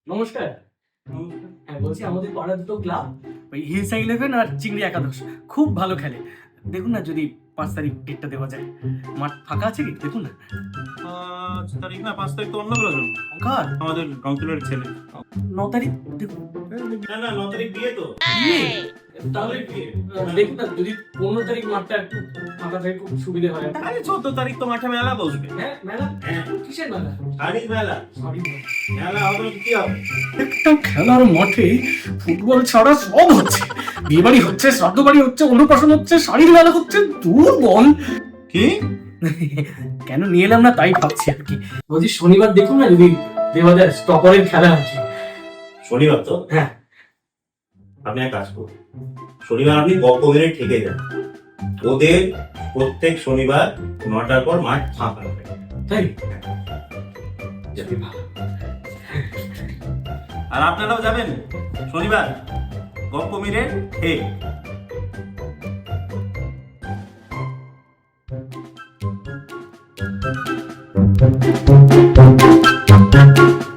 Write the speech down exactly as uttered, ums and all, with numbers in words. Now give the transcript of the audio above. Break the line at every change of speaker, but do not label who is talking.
নমস্কার। হ্যাঁ, বলছি আমাদের পাড়া দুটো ক্লাব ওই হিলসা ইলেভেন আর চিংড়ি একাদশ খুব ভালো খেলে। দেখুন না যদি পাঁচ তারিখ ডেটটা দেওয়া যায়। মাঠ ফাঁকা আছে কি দেখুন না।
পাঁচ তারিখ না, পাঁচ তারিখ তো অন্য প্রয়োজন
কার?
আমাদের কাউন্সিলরের ছেলে।
ন তারিখ দেখুন।
না না, ন তারিখ বিয়ে তো।
বিয়ে? তাহলে আহ, দেখুন না যদি পনেরো তারিখ মাঠটা একটু ফাঁকা থাকে খুব সুবিধে হয়।
আরে চোদ্দ তারিখ তো মাঠে মেলা বসবে।
হ্যাঁ মেলা?
হ্যাঁ।
কিসের মেলা?
শাড়ির মেলা।
সরি
মেলা হবে কি হবে?
একটা খেলার মাঠে ফুটবল ছাড়া সব হচ্ছে। বিয়ে বাড়ি হচ্ছে, শ্রাদ্ধ বাড়ি হচ্ছে, অন্নপ্রাশন হচ্ছে, শাড়ির মেলা হচ্ছে। দূর বল।
কি?
কেন নিয়ে এলাম না তাই ভাবছি আর কি। বলছি শনিবার দেখুন না যদি দেওয়াদের স্টপারের খেলা আছে।
শনিবার তো?
হ্যাঁ।
আপনি এক কাজ করুন, শনিবার আপনি গপ্প মেরে ঠেকে যান। ওদের প্রত্যেক শনিবার নটার পর মাঠ ফাঁকা হবে।
তাই যাবে ভালো।
আর আপনারাও যাবেন শনিবার গপ্প মেরে ঠেক।
Thank you.